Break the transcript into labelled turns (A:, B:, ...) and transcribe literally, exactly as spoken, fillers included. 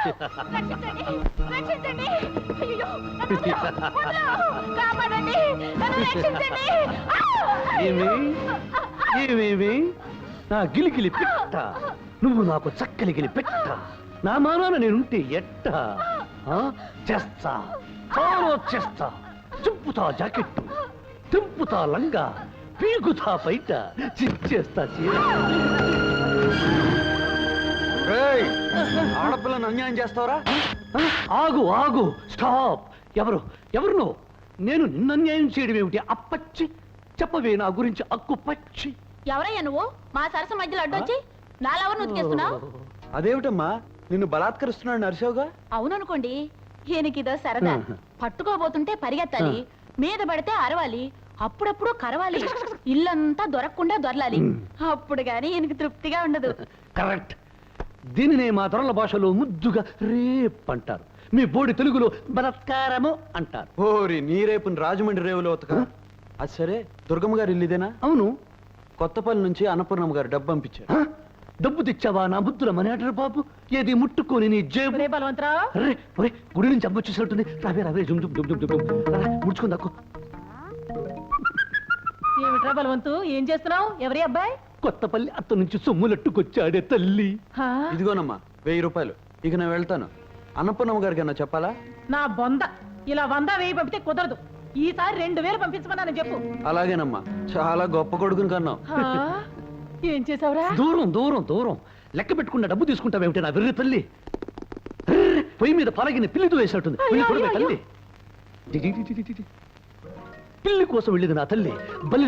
A: రక్షించండి, రక్షించండి. అయ్యయ్యో, నన్ను వదలు, వదలు. కాపాడండి, నన్ను రక్షించండి. ఆ!
B: ఏమి ఏమేమి నా గిలిగిలి పెట్ట, నువ్వు నాకు చక్కలిగిలి పెట్ట, నా మానాన నేనుంటే ఎట్ట ఆ? చేస్తా, చాలా చేస్తా. చింపుతా జాకెట్టు, తింపుతా లంగా, పీకుతా బయట, చిచ్చేస్తా చీర.
C: ఆడపిల్లను అన్యాయం చేస్తావరా?
B: ఆ? ఆగు ఆగు, స్టాప్. ఎవరు ఎవరు నువ్వు? నేను నిన్ను అన్యాయం చేయడం ఏమిటి? అప్పచ్చి చెప్పవే నా గురించి అక్కు పచ్చి.
A: ఎవరయ్యా నువ్వు? మా సరస మధ్యలో అడ్డొచ్చి నాలెవరు నుతికేస్తున్నావు?
C: అదేమిటమ్మా, నిన్ను బలాత్కరిస్తున్నాడు నరసోగా?
A: అవుననుకోండి, ఈయనకిదో సరదా. పట్టుకోబోతుంటే పరిగెత్తాలి, మీద పడితే అరవాలి, అప్పుడప్పుడు కరవాలి, ఇల్లంతా దొరకకుండా దొరలాలి. అప్పుడు గాని ఈయనకి తృప్తిగా ఉండదు.
B: కరెక్ట్. దీనినే మా దొరల భాషలో ముద్దుగా రేప్ అంటారు, మీ బోడి తెలుగులో బలత్కారము అంటారు.
C: ఓరి నీ రేపుని రాజమండ్రి రేవులో ఉతక. అది సరే, దుర్గమ్మ గారు ఇల్లు ఇదేనా?
B: అవును.
C: కొత్తపల్లి నుంచి అన్నపూర్ణమ్మ గారు డబ్బు పంపించారు.
B: ఆ? డబ్బు తెచ్చావా నా బుద్ధుల మనేటరు బాబు? ఏది ముట్టుకొని నీ జేబు.
A: ఒరే బలవంతరావు,
B: అరే ఒరే, గుడి నుంచి అమ్మ వచ్చేసినట్టుంది. రావే రావే, జుమ్ జుమ్ జుమ్ జుమ్ జుమ్. రా, ముడుచుకుందాకు.
A: ఏమిట్రా బలవంతు, ఏం చేస్తున్నావు? ఎవరి అబ్బాయి?
B: కొత్తపల్లి అత్త నుంచి సొమ్ములట్టుకొచ్చాడే తల్లి.
A: హా?
C: ఇదిగోనమ్మా వెయ్యి రూపాయలు. ఇక నేను వెళ్తాను. అన్నపూర్ణమ్మ గారికి అన్నా చెప్పాలా?
A: నా బొంద, ఇలా వంద వేయి పంపితే కుదరదు. ఈసారి రెండు వేలు పంపించమన్నాను చెప్పు.
C: అలాగేనమ్మా, చాలా గొప్ప కొడుకుని కన్నావు.
A: హా? ఏం చేసావురా?
B: దూరం దూరం దూరం లెక్క పెట్టుకున్న డబ్బు తీసుకుంటావేమిటి నా వెర్రి తల్లి? అర్రే, పొయ్యి మీద పలగిన పిల్లితో వేసినట్టుంది.
A: అయ్యో,
B: వెళ్ళి చూడవే
A: అయ్యో,
B: తల్లి. డి, డి, డి, డి, డి, డి. పిల్లి కోసం వెళ్ళేది నా తల్లి. బల్లి